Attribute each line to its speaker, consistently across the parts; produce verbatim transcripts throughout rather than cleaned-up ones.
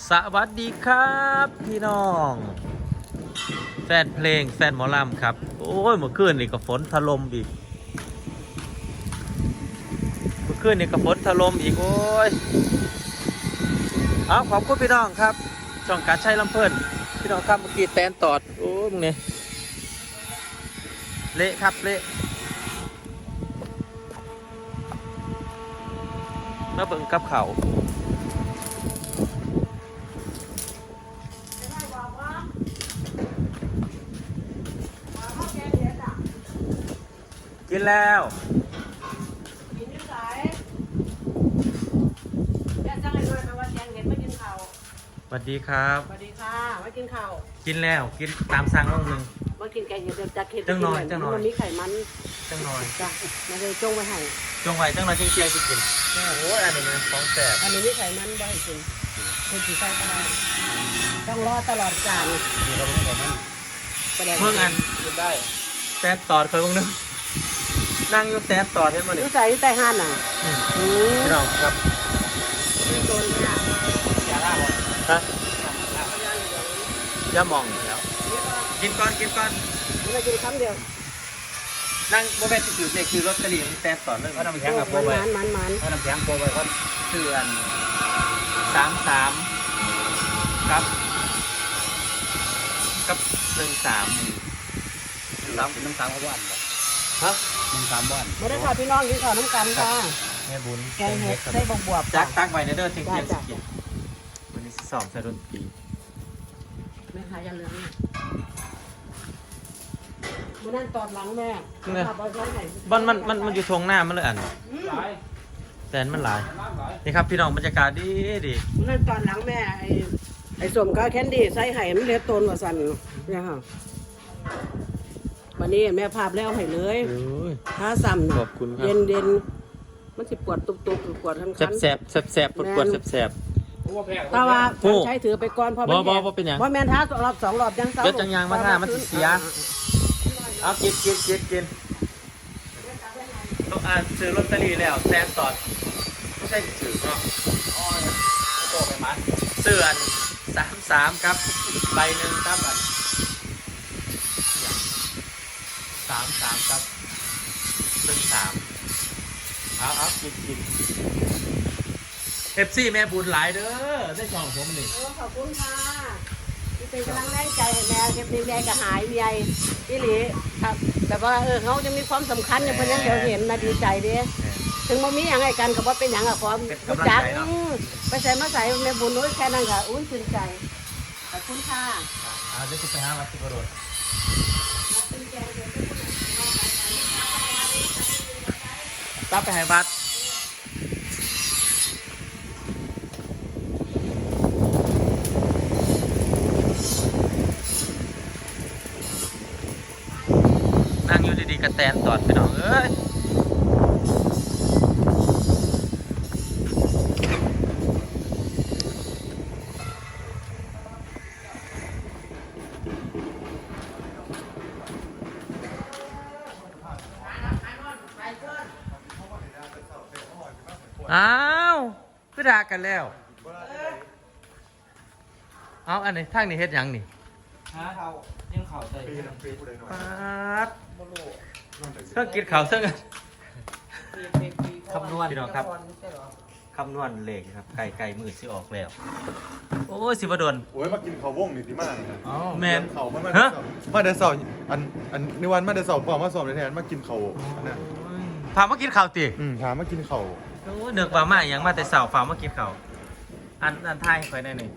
Speaker 1: สวัสดีครับพี่น้องแฟนเพลงแฟนหมอลำครับโอ้ยเมื่อคืนนี่ก็ฝนถล่มอีกเมื่อคืนนี่ก็ฝนถล่มอีกโอ้ยเอาขอบคุณพี่น้องครับช่องการใช้ลำเพลินพี่น้องครับเมื่อกี้แตนตอดโอ้ยมึงเนี่ยเละครับเละมาเบิ่งกับเขากินแล้ว
Speaker 2: กินที่ไหนแม่จ้างให้ด้วยแปลว่าแจงเห็นไม่กินข้าว
Speaker 1: สวัสดีครับ
Speaker 2: สวัสดีค่ะไม่กินข้าว
Speaker 1: กินแล้วกินตามสั่งรอบนึง
Speaker 2: มากินแกงเห็ดจากเห็ด
Speaker 1: จังหน่อยจังหน่อย
Speaker 2: มันมีไขมัน
Speaker 1: จังหน่อย
Speaker 2: จ้ะมาเลยจงไว้ให้
Speaker 1: จงไว้จังหน่อยเที่ยงๆสิกินโอ้โหอันนี้มันของแสบ
Speaker 2: อันนี้มีไขมันบ่ให้กินคุณสีใส่ก็ได้ต้องรอตลอดกาล
Speaker 1: นี่เราไม่ได้มัน
Speaker 2: แสดง
Speaker 1: เมื่ออันกินได้แตนตอดเคยบ้างนึงนั่งอยู่แตนตอดเห็นมั้ย
Speaker 2: นิ
Speaker 1: นี่
Speaker 2: สัยใต้ห้านน่ะ
Speaker 1: อืม
Speaker 2: อืม
Speaker 1: พี่น้องครับ
Speaker 2: ไม่โดนค่ะ
Speaker 1: อย่าล่าบอลฮะอย่ามองแล้วกินก่อนกินก่อน
Speaker 2: ไม่กินคำเดียว
Speaker 1: นั่งโมเมนต์ที่ถือเลขคือลอตเตอรี่แตนตอดเลยเขาทำแข็งกับโบ
Speaker 2: มัน
Speaker 1: ไว้
Speaker 2: มันมันมัน
Speaker 1: เขาทำแข็งโบไว้เขาเสื่อนสามสามครับกับหนึ่งสามสามหนึ่งสามเขาบ้านฮะหนึ่งสามบ้าน
Speaker 2: ไม่ได้ข่าวพี่น้องกินข้าวน้ำกันค่ะ
Speaker 1: แม่บุญ
Speaker 2: แกงเห็ดใส่บวบบวบ
Speaker 1: จักตักไว้ในเด้อเที่ยงเที่ยง
Speaker 2: จ้ะ
Speaker 1: สิกินวันนี้สอบใส่ดนตรี
Speaker 2: ไม่ขายยันเหลืองมันนั่นตอดหลังแม่ขับเอาไว้ไหน
Speaker 1: มันมันมันมันอยู่ทงหน้ามันเลยอันแต่มันหลายนี่ครับพี่น้องบรรยากาศดีดี
Speaker 2: มันนั่นตอนหลังแม่ไอ้ไอ้สมก็แคนดี้ใส่ไห่มันเล็ดตนว่าสั่นเนี่ยค่ะวันนี้แม่ภาพแล้วให้เลย
Speaker 1: โอ้ย
Speaker 2: ถ้าซ้ำ
Speaker 1: ขอบคุณครับ
Speaker 2: เย็นเย็นมันสิปวดตุบตุบปวดทั้ง
Speaker 1: แส
Speaker 2: คั
Speaker 1: บ
Speaker 2: น
Speaker 1: แสบแสบแสบปวดปวดแสบแสบ
Speaker 2: แต่ว่า
Speaker 1: โอ้
Speaker 2: ใช้ถือไปก่อนเพราะ
Speaker 1: บ่บ่บ่เป็นหยัง
Speaker 2: เพราะแม่นท้ารอบสองรอบยังเศร้า
Speaker 1: เดี๋ยวจังยางมาท่ามันสิเสีย เอากินกินกินกินต้องอ่านซื้อลอตเตอรี่แล้วแซนตอดไม่ใช่ซื้อเนาะอ๋อโตไปมันเสื่อนสามสามครับใบหนึ่งครับอันสามสามครับหนึ่งสามเอาเอากินกินเอฟซีแม่บุญหลายเด้อได้ช่องผมนี่
Speaker 2: โอ้ขอบคุณค่ะที่เป็นกำลังแรงใจให้แม่เก็บดีแม่ก็หายใหญ่พี่หลีครับแบบว่าเออเขาจะมีความสำคัญอย่างเพื่อนยังเดี๋ยวเห็นนะดีใจเด้ ถึงบ่มีอย่างไรกันก็บ่เป็นอย่างอะขอรู้จักอืมไปใส่มาใส่แม่บุญนุ้ยแค่นั้นค่ะอุ้ยชื่นใจขอบคุณค่ะ
Speaker 1: อ่าเดี๋ยวจะไปหาวัดที่กระโดดตับไปหาบัตรนั่งอยู่ดีๆกระแตนตอดไปน้องเอ้ยอ้าวก็ด่ากันแล้ว เอาอันนี้ทางนี้เฮ็ดหยังนี่
Speaker 3: ฮะเขายังเขาใส่
Speaker 1: ปาดเครื่องกินข้าวเสื่องคำนวณพี่น้องครับคำนวณเลขครับไก่ไก่มือสิออกแล้ว โอ้ยสิบดน
Speaker 4: โอ้ยมากินข้าววงนี่สิมากเลย
Speaker 1: อ๋อแมน
Speaker 4: เขามามา
Speaker 1: ฮะ
Speaker 4: มาเดยวเสาร์อันอันในวันมาเดยวเสาร์ก่อนมาสอบในแทนมากินข้าวอันนั้น
Speaker 1: พามากินข้าวติ
Speaker 4: อืมถามมากินข้าว
Speaker 1: โอ้ยเนือกว่ามาอย่างมาแต่เสาร์ฝามากินข้าวอันอันไทายคอยได้หนึ่ง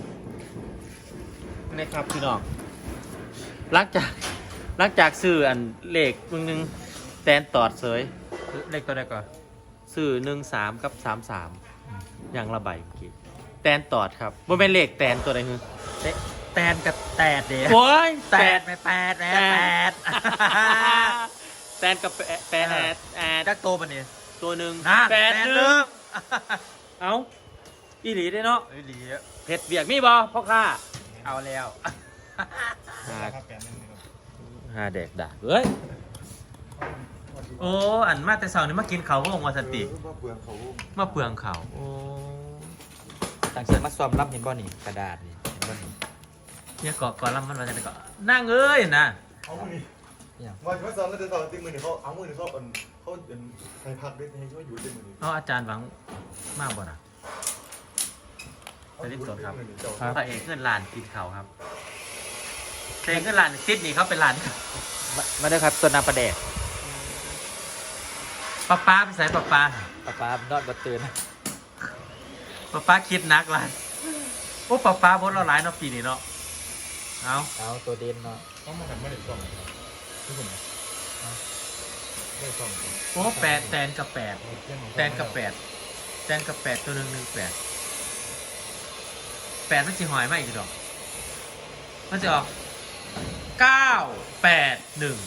Speaker 1: นี่ครับพี่น้องหลังจากหลังจากซื้ออันเลขมึงนึงแตนตอดเสยเลขตัวใดก่อนซื้อหนึ่งสามกับสามสามอย่างละใบเมื่อกี้แตนตอดครับว่าเป็นเลขแตนตัวใดคือแตนกับแตดเดียวโอ้ยแตดไม่แปดแปดแตนกับแปดแอดจักโตปะเนี่ยตัวหนึ่งแปดหนึ่งเอ้าอีหลีได้เนาะอีหลีเผ็ดเบียกมีบ่พ่อข้าเอาแล้วหาแดกด่าเฮ้ยโอ้อันมาแต่เสาร์นี่มากินเขาวก็ลงวาสติ
Speaker 4: มาเปลืองข้าววง
Speaker 1: มาเปลืองเขาโอ้
Speaker 3: ต่างเชียงมาซ้อมรับเห็นบ่นี่กระดาษนี่เห็นบ่นี่
Speaker 1: เนี่ยเกาะก่อนแล้วมันมาจากไหนเกาะนั่งเอ้ยนะ
Speaker 4: เอามือนี่
Speaker 3: อย่าง
Speaker 4: วันที่มาซ้อมแล้วจะต่อติ้งมือนี่เขาเอามือนี่เขาเป็นเขาเป็นใครพักด้วยให้ช่วยอยู่ติ้งมือนี่
Speaker 1: เอาอาจารย์หวังมากบ่นะไปที่สวนครับพระเอกเงินลานกินเขาครับเพลงเงินลานซิดนี่เขาเป็นลาน
Speaker 3: มามาเด้อครับส่วนน้ำปลาแดก
Speaker 1: ป้าป้าไปใส่ป้าป้า
Speaker 3: ปลาปลานอนบ่ตื่น
Speaker 1: ป้าป้าคิดนักละโอ้ป้าป้าบดเราหลายเนาะปีนี้เนาะเอา
Speaker 3: เอาตัวเด่นเนาะ
Speaker 4: ต้องมาทำไม่ได้ซ้อมครับทุกคนไม่ซ้อม
Speaker 1: โอ้แปดแตนกับแปดแตนกับแปดแตนกับแปดตัวหนึ่งหนึ่งแปดแปดมันจะหอยมาอีกดอกมันจะออกเก้าแปดหนึ่ง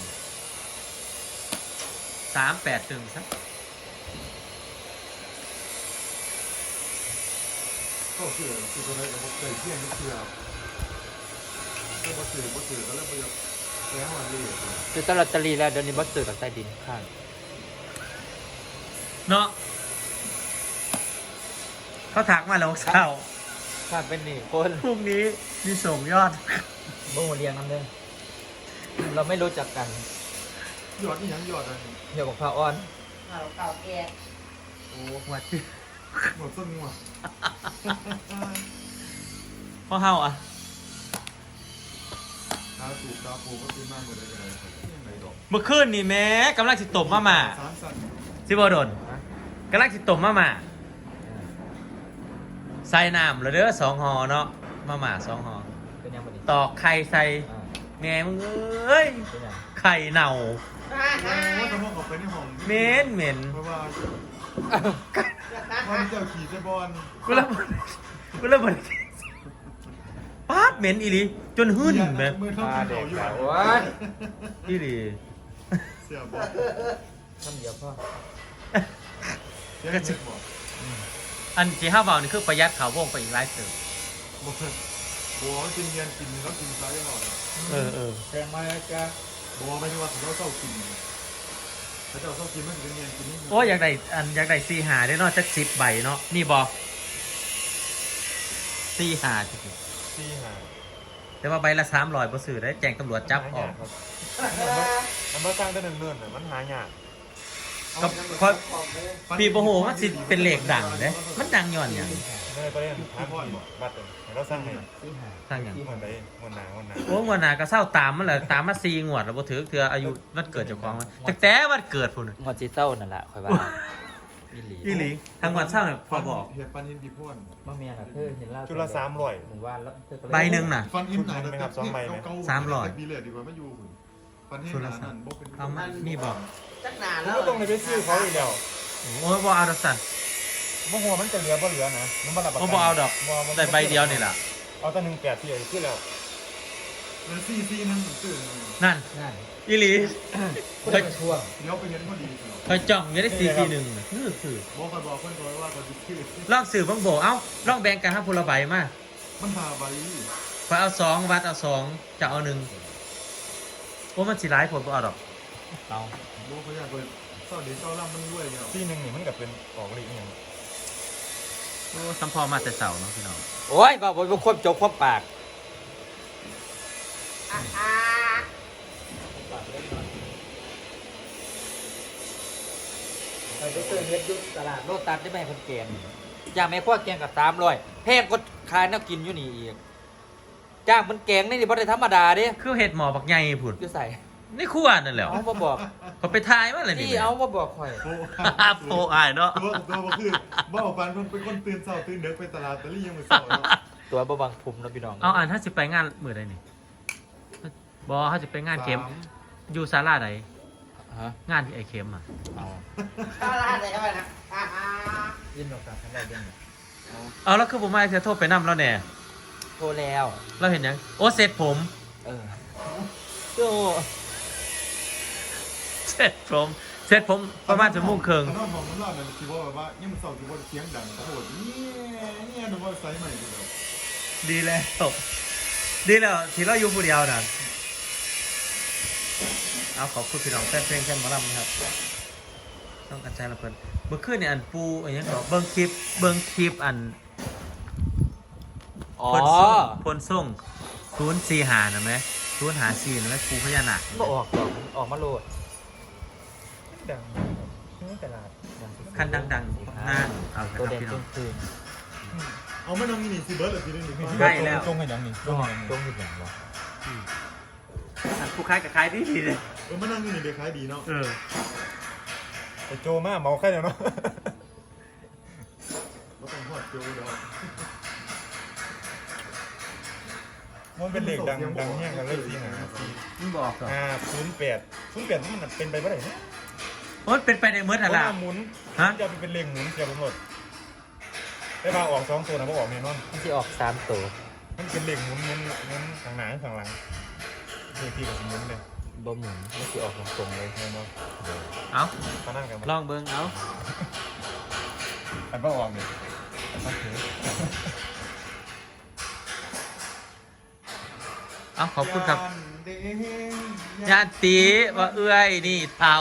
Speaker 1: สามแปดหนึ่งสัก
Speaker 4: ก็คือคือคนไหนก็บอกเคยเที่ยงนี่คือก็บอกสื่อบอกสื่อก็เริ่มไปแย้งวันนี้
Speaker 3: คือตลอดตรีแล้วเดี๋ยวนี้บ่ตื่นกับใต้ดินข้าง
Speaker 1: เนาะเขาถักมาแล้วเช้า
Speaker 3: ข้างเป็นนี่คน
Speaker 1: พรุ่งนี้มีส่งยอด
Speaker 3: บ่มาเรียงน้ำเด้อเราไม่รู้จักกัน
Speaker 4: ยอดนี่ยังยอดอะไร
Speaker 3: เดี๋ยวบอกพระอ้อน
Speaker 2: เอาเก่าแก่
Speaker 1: โอ้วัดที่
Speaker 4: หมดต้นงัว
Speaker 1: พ่อเฮาอ่ะ
Speaker 4: ตาสูบตาปูก็ซื้อมากหมดเลยอะไรยังไงดอก
Speaker 1: เมื่อคืนนี่แม้กำลังสิตบมาหมา
Speaker 4: สามสัน
Speaker 1: สิบโดนกำลังสิตบมาหมาใส่น้ำแล้วเด้อสองหอเนาะมาหมาสองหอ
Speaker 3: เป็นยังบ่นี่
Speaker 1: ตอกไข่ใส่
Speaker 3: อ่า
Speaker 1: แม่มึงเอ้ย
Speaker 3: เป็นยัง
Speaker 1: ไข่เน่า
Speaker 4: ว่าจะมองออกไปในห้อง
Speaker 1: เหม็นเหม็น
Speaker 4: เพราะว่าว่าเจ้าขี่เจ้าบอล
Speaker 1: กูระเบิดกูระเบิดป๊าดเหม็นอีหลีจนหึ่นแม่
Speaker 4: มือเท่า
Speaker 3: ปลา
Speaker 4: ที่
Speaker 3: แด
Speaker 4: เขา
Speaker 3: ก
Speaker 4: อยู่
Speaker 3: แล้วโอ้ย
Speaker 1: อีหลี
Speaker 4: เสียบอล
Speaker 3: ทำเดียวพ่อ
Speaker 4: เสียเงินบอก
Speaker 1: อันที่ห้าเบานี่คือประหยัดเขาวงไปอีกหลายเติม
Speaker 4: บอกบัวกินเงินกินแล้วกินซ้ายตลอด
Speaker 1: เออเออ
Speaker 3: แซงมาแล้วจ้า
Speaker 4: บัวไม่ใช่ว่าเขาเศร้ากินเขาเจ้าเศร้ากินมันกินเงินกินนี่
Speaker 1: โอ้ยอยากได้อันอยากได้ซีหาได้เนาะจักสิบใบเนาะนี่บอซีหาจริง
Speaker 4: สี่หา
Speaker 1: ๆแต่ว่าใบละสามร้อยบ่ซื้อได้แจ้งตำรวจจับออก
Speaker 4: มันมาสร้างได้เนิ่นๆมันหายาก
Speaker 1: ก็คอยปีโบโหมันสิเป็นเหล็กดังเด้มันดังย้อนหยัง
Speaker 4: เลยไปเล่นทางพ่อนบัตรเราสร้างไง
Speaker 3: ที่หา
Speaker 1: สร้างหยัง
Speaker 4: ที่มันได้มันหนามันหนา
Speaker 1: โอ้งวดหน้าก็เศร้าตามมันแหละตามมาซีงวดแล้วบ่ถือเทื่ออายุวันเกิดเจ้าของมันแต่แต่วันเกิดพุ่นน่ะ
Speaker 3: งอจีเต้านั่นแหละคอยว่าอีหลี
Speaker 1: อีหลีทั้งวันเศร้าเนี่ยพอบอก
Speaker 4: เห็ดปันหินปีพ่น
Speaker 3: มาเมียน่ะคือเห็นเล่า
Speaker 4: จุดละสามร้อย
Speaker 3: หมู่บ้านแล้วเธอก็เลย
Speaker 1: ใบหนึ่งน่ะ
Speaker 4: ฟันหินหนาไหมครับสองใบไหม
Speaker 1: สามร้อย
Speaker 4: ปีเลยดีกว่าไม่อยู่ฟันหินหนานั่นบกเป็น
Speaker 1: เอามานี่บอก
Speaker 2: จักหนาแล้
Speaker 4: แล้ว วต้องไปซื้อเขาอีกแล้ว
Speaker 1: โอ้ยบ่เอาดอกสัน
Speaker 4: บ่หัวมันจะเหลือบ่เหลือนะมันบ่รับประ
Speaker 1: โอ้
Speaker 4: กัน
Speaker 1: บ่เอาดอกได้ใบเดียวนี่ล่ะ
Speaker 4: เอาแต่หนึ่งแปดที่เอาขึ้นแล้วแล้วซีซีนั่นซื้อ
Speaker 1: นั่น
Speaker 3: นั่น
Speaker 1: อีหลี
Speaker 3: คนเป็นช่วง
Speaker 4: เลี้ยวไปเห็นพอดี
Speaker 1: คอยจ้องอยู่ได้ซีซีหนึ่งน่ะคือคือ
Speaker 4: บอกคอยบอกเพื่อนคอยว่าคอยจะชื่อ
Speaker 1: ลองสื่อบังโบเอ้าลองแบ่งกันครับพลใบมา
Speaker 4: มันหาใบ
Speaker 1: คอยเอาสองวัดเอาสองจะเอาหนึ่งโอ้มันสิร้ายผลบ่เอาดอก
Speaker 3: เอา
Speaker 4: บอกเขาอยากไปเศร้าเดี๋ยวเศร้าล่ำมันด้วยเนี่ยซีหนึ่งนี่มันกับเป็นออกลีกอย่าง
Speaker 1: โอ้สัมพอมาแต่เสาเนาะพี่น้อง
Speaker 3: โอ้ยบอกว่าควบจบควบปาก
Speaker 2: อ่าอ่า
Speaker 3: ไปซื้อเฮ็ดยุตลาดโลตัสได้ไหมคนเกณฑ์จ้างแม่ครัวแกงกับสามร้อยแพงก็ขายน่ากินอยู่นี่อีกจ้างมันแกงนี่นี่บ่ได้ธรรมดาเด้
Speaker 1: คือเห็ดหมอบักใหญ่ผุด
Speaker 3: คือใส่
Speaker 1: นี่คู่อันนั่นแหละ
Speaker 3: เอามาบอก
Speaker 1: เขาไปทายมาเลยนี่
Speaker 3: นี่เอามาบอกข่อย
Speaker 4: โอ้
Speaker 1: โปอายเนาะ
Speaker 4: ตัวตัวก็คือบ้าปันมันเป็นคนตื่นเศร้าตื่นเด็กไปตลาดตะลี่ยังไม่เศร้าเนาะ
Speaker 3: ตัวบ่บังภูมินะพี่น้อง
Speaker 1: เอาอ่านถ้าสิไปงานมือใดนี่บอถ้าสิไปงานเข็มอยู่ศาลาใด
Speaker 3: ฮะ
Speaker 1: งานที่ไอเข็มอ่ะ
Speaker 3: เอา
Speaker 2: อะไรอะไรอะไรนะอ่าอ่า
Speaker 3: ยินดอกกับทั้งได้ยังไง
Speaker 1: เอาแล้วคือผมมาเสียโทษไปนั่แล้วแน่
Speaker 3: โทรแล้ว
Speaker 1: เราเห็นยังโอ้เสร็จผม
Speaker 3: เออโจ้
Speaker 1: เสร็จผมเสร็จผมประมาณชั่วโมงครึ่ง
Speaker 4: นอกมองมันรอดนั่นคือว่าแบบว่าเนี่ยมันเศร้าคือว่าเสียงดังโอ้โหเนี่ยเนี่ยดูว่าไซส์ใหม่เลย
Speaker 1: ดีแล้วดีแล้วที่เราอยู่ผู้เดียวน่ะเอาขอบคุณพี่น้องแฟนเพลงแฟนหมอลำนะครับต้องกันใจละเพิ่นเมื่อคืนเนี่ยอันปูอันนี้ก็เบิ่งคลิปเบิ่งคลิปอัน
Speaker 3: อ๋อ
Speaker 1: พลส่งพลส่งศูนย์สี่หานะไหมศูนย์หาสี่นะไหมครูพญานาค
Speaker 3: บ่ออกหรอกออกมาโลด
Speaker 4: ดังนี่ตลาด
Speaker 1: ขั้นดังๆนั่นเอาละค
Speaker 3: ตัว
Speaker 1: รับ
Speaker 3: แดง
Speaker 1: พี่น้อง
Speaker 3: คืน
Speaker 4: เอาไม่น้องนี่สิเบิร์ดหรือสิเล่นหรือ
Speaker 1: ใช่แล้ว
Speaker 4: จงให้ยังนี่จงให้ยัง
Speaker 3: ๆตรงนี้อย่างบ่
Speaker 1: อันผู้ค้ายกับค้ายดีดีเลย
Speaker 4: เออไม่น้องนี่เด็กขายดีเนาะ
Speaker 1: เออ
Speaker 4: ไอโจมาเมาแค่เดียวเนาะก็ต้องหอดโจเดียวมันเป็นเหล็กดังดังแห้งกันเลยสิหาสิ
Speaker 1: มึงบอกก่อน
Speaker 4: อ่าศูนย์แปดศูนย์แปดมันเป็นไปเมื่อไหร่เนี่ย
Speaker 1: โอ้ยเป็นไปในเมื่อ
Speaker 4: เพ
Speaker 1: ไหร่
Speaker 4: ราะ
Speaker 1: ล่ะ
Speaker 4: ว่าหมุน
Speaker 1: ฮะ
Speaker 4: จะเป็นเหล็กหมุนเกี่ยวกับหมดได้มาออกสองตัวนะเพราะออกเนี่ยนอน
Speaker 3: มันสิออกสามตัว
Speaker 4: มันเป็นเหล็กหมุนหมุนหมุนข้างหน้าข้างหลังเด็กที่กับหมุนเลย
Speaker 3: บ่หมุนมันสิออกตรงๆเลย
Speaker 4: เห็นไหม
Speaker 1: เอา
Speaker 4: มานั่งกัน
Speaker 1: ลองเบิ้งเอา
Speaker 4: อันว่าออกเนี่ยโอเค
Speaker 1: เอาขอบคุณครับญาติว่าเอื้อยนี่เท่า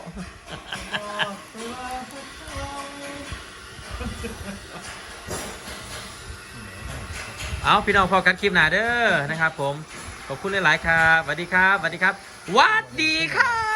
Speaker 1: เอาพี่น้องพอกันคลิปหนาเด้อนะครับผมขอบคุณหลายๆครับสวัสดีครับสวัสดีครับสวัสดีครับ